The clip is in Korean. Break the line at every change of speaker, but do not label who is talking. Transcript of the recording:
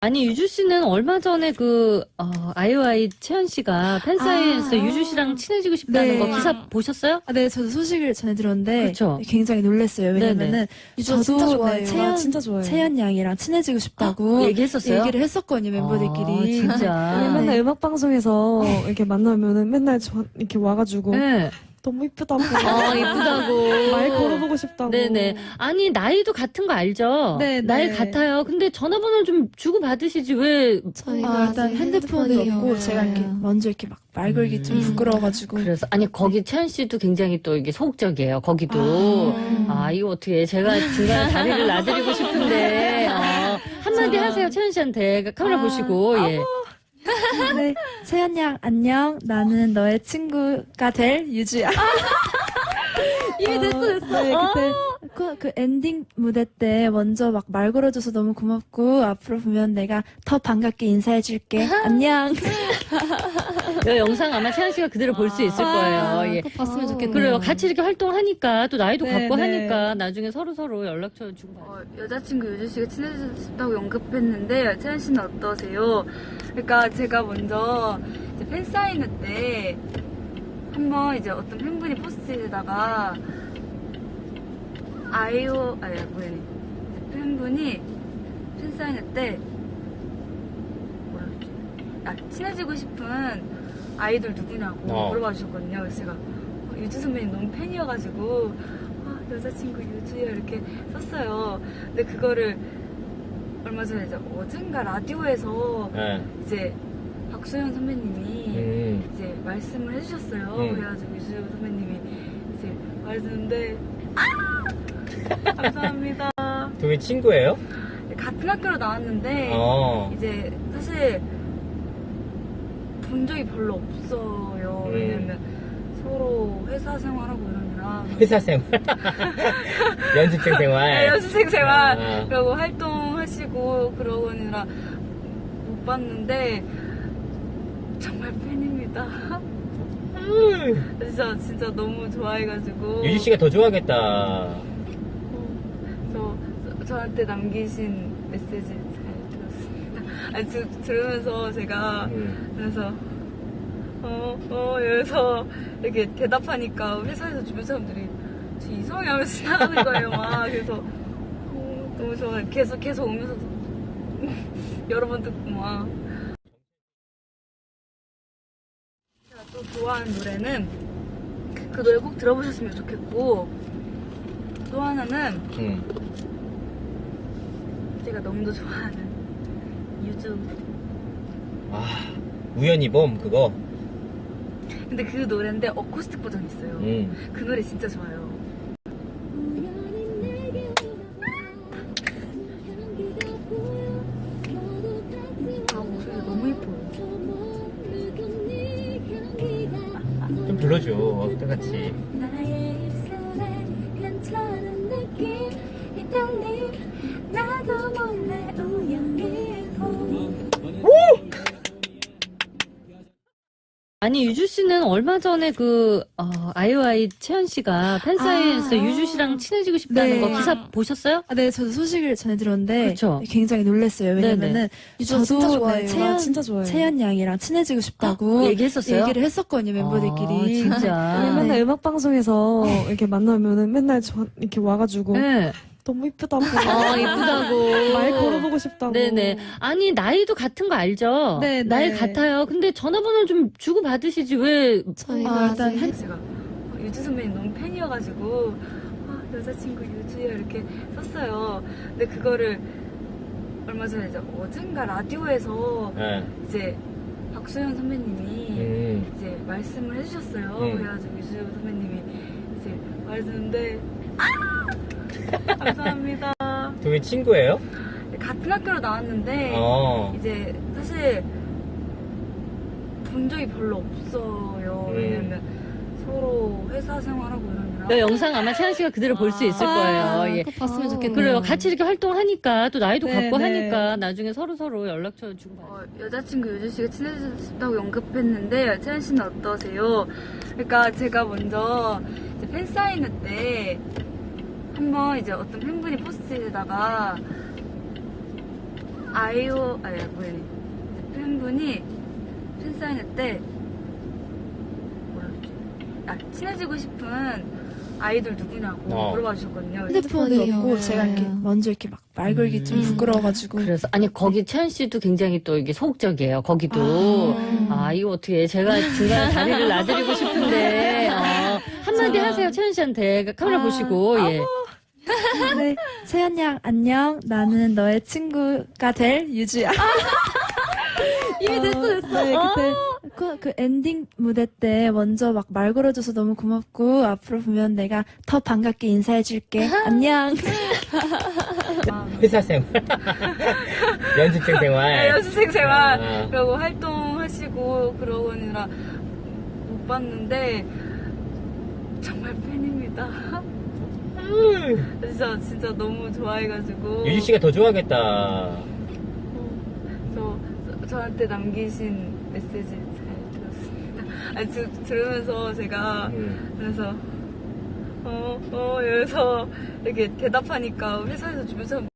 아니, 유주 씨는 얼마 전에 아이오아이 채연 씨가 팬사인회에서 유주 씨랑 친해지고 싶다는
네.
거 기사 보셨어요?
네, 저도 소식을 전해 들었는데
그렇죠.
굉장히 놀랐어요. 왜냐면은
유주 진짜
저도
좋아해요.
진짜 좋아해요. 채연 양이랑 친해지고 싶다고
얘기했었어요?
얘기를 했었거든요, 멤버들끼리.
진짜.
맨날 음악 방송에서 이렇게 만나면은 맨날 이렇게 와가지고
네.
너무 이쁘다고
이쁘다고.
말 걸어보고 싶다고.
네네. 아니, 나이도 같은 거 알죠?
네,
나이
네.
같아요. 근데 전화번호 좀 주고 받으시지, 왜.
저희가
일단
이제
핸드폰도
핸드폰이
없고
없어요.
제가 이렇게 먼저 이렇게 막 말 걸기 좀 부끄러워가지고.
그래서, 아니, 거기 채연 씨도 굉장히 또 이게 소극적이에요, 거기도. 이거 어떻게, 제가 중간에 자리를 놔드리고 싶은데, 한마디 하세요, 채연 씨한테. 카메라 보시고, 예.
네, 채연 양 안녕. 나는 너의 친구가 될 유주야. 이미 됐어. 네, 그때 그 엔딩 무대 때 먼저 막 말 걸어줘서 너무 고맙고 앞으로 보면 내가 더 반갑게 인사해줄게. 안녕.
이 영상 아마 채연 씨가 그대로 볼 수 있을 거예요. 예.
꼭 봤으면 좋겠네요.
그래요. 같이 이렇게 활동하니까, 또 나이도
네,
같고
네.
하니까, 나중에 서로 연락처 주고 받아요.
여자친구 유주 씨가 친해지고 싶다고 언급했는데 채연 씨는 어떠세요? 그러니까 제가 먼저 이제 팬사인회 때 한번 이제 어떤 팬분이 포스트에다가 팬분이 팬사인회 때 뭐라 그러지? 친해지고 싶은 아이돌 누구냐고 물어봐 주셨거든요. 그래서 제가 유주 선배님 너무 팬이어가지고 여자친구 유주야 이렇게 썼어요. 근데 그거를 얼마 전에 이제 어젠가 라디오에서 이제 박소연 선배님이 이제 말씀을 해주셨어요. 그래가지고 유주 선배님이 이제 말했는데 감사합니다.
두 분 친구예요?
같은 학교로 나왔는데 이제 사실 본 적이 별로 없어요. 왜냐면 서로 회사 생활하고 이러느라
회사 생활? 연습생 생활?
네, 연습생 생활 그리고 활동하시고 그러느라 못 봤는데 정말 팬입니다. 진짜 너무 좋아해가지고
유지 씨가 더 좋아하겠다.
저한테 남기신 메시지 잘 들었습니다. 들으면서 제가 그래서 이래서 이렇게 대답하니까 회사에서 주변 사람들이 저 이상하게 하면서 지나가는 거예요. 막 그래서 너무 좋아요. 계속 오면서도 여러 번 듣고 막. 제가 또 좋아하는 노래는 그 노래 꼭 들어보셨으면 좋겠고 또 하나는 제가 너무도 좋아하는 유주.
우연히 봄 그거.
근데 그 노래인데 어쿠스틱 버전이 있어요. 그 노래 진짜 좋아요. 목소리가 너무 예뻐요.
좀 불러줘 똑같이.
나의 입술에 괜찮은 느낌 있다니 나도 몰래 우연히
아니, 유주 씨는 얼마 전에 아이오아이 채연 씨가 팬사인회에서 유주 씨랑 친해지고 싶다는
네.
거 기사 보셨어요?
네, 저도 소식을 전해 들었는데
그렇죠.
굉장히 놀랐어요. 왜냐면은
유주 진짜
저도
좋아해요. 진짜 좋아해요.
채연 양이랑 친해지고 싶다고
얘기했었어요?
얘기를 했었거든요, 멤버들끼리.
진짜.
맨날 음악 방송에서 이렇게 만나면은 맨날 이렇게 와가지고
네.
너무 이쁘다고
이쁘다고.
말 걸어보고 싶다고.
네네. 아니, 나이도 같은 거 알죠?
네,
나이
네.
같아요. 근데 전화번호 좀 주고 받으시지, 왜.
저희가
일단
이제
제가 유주 선배님 너무 팬이어가지고 여자친구 유주야 이렇게 썼어요. 근데 그거를 얼마 전에 이제 어젠가 라디오에서 이제 박소연 선배님이 이제 말씀을 해주셨어요. 그래가지고 유주 선배님이 이제 말했는데 감사합니다.
두 분 친구예요?
같은 학교로 나왔는데 이제 사실 본 적이 별로 없어요. 왜냐면 서로 회사 생활하고 이러느라
이 영상 아마 채연 씨가 그대로 볼 수 있을 거예요. 예.
꼭 봤으면 좋겠네요.
그래요. 같이 이렇게 활동하니까, 또 나이도
네,
같고
네.
하니까, 나중에 서로 연락처 주고 받아요.
여자친구 유주 씨가 친해지고 싶다고 언급했는데 채연 씨는 어떠세요? 그러니까 제가 먼저 이제 팬사인회 때 한번 이제 어떤 팬분이 포스트에다가 아이오 아니 뭐니 팬분이 팬사인회 때 뭐라 그러지? 친해지고 싶은 아이돌 누구냐고 물어봐 주셨거든요.
핸드폰이 없고 제가 이렇게 먼저 이렇게 막 말 걸기 좀 부끄러워가지고.
그래서 아니 거기 채연 씨도 굉장히 또 이게 소극적이에요. 거기도 이거 어떻게 제가 중간에 다리를 놔드리고 싶은데 한마디 하세요. 채연 씨한테 카메라 보시고 예.
네, 채연 양 안녕. 나는 너의 친구가 될 유주야. 이미 됐어. 네, 그때 그 엔딩 무대 때 먼저 막 말 걸어줘서 너무 고맙고 앞으로 보면 내가 더 반갑게 인사해줄게. 안녕.
회사 생활. 연습생 생활.
연습생 생활
아.
그러고 활동하시고 그러고니라 못 봤는데 정말 팬입니다. 진짜 너무 좋아해가지고
유지 씨가 더 좋아하겠다.
저한테 남기신 메시지 잘 들었습니다. 아니, 들으면서 제가 그래서 이러면서 이렇게 대답하니까 회사에서 주변 사람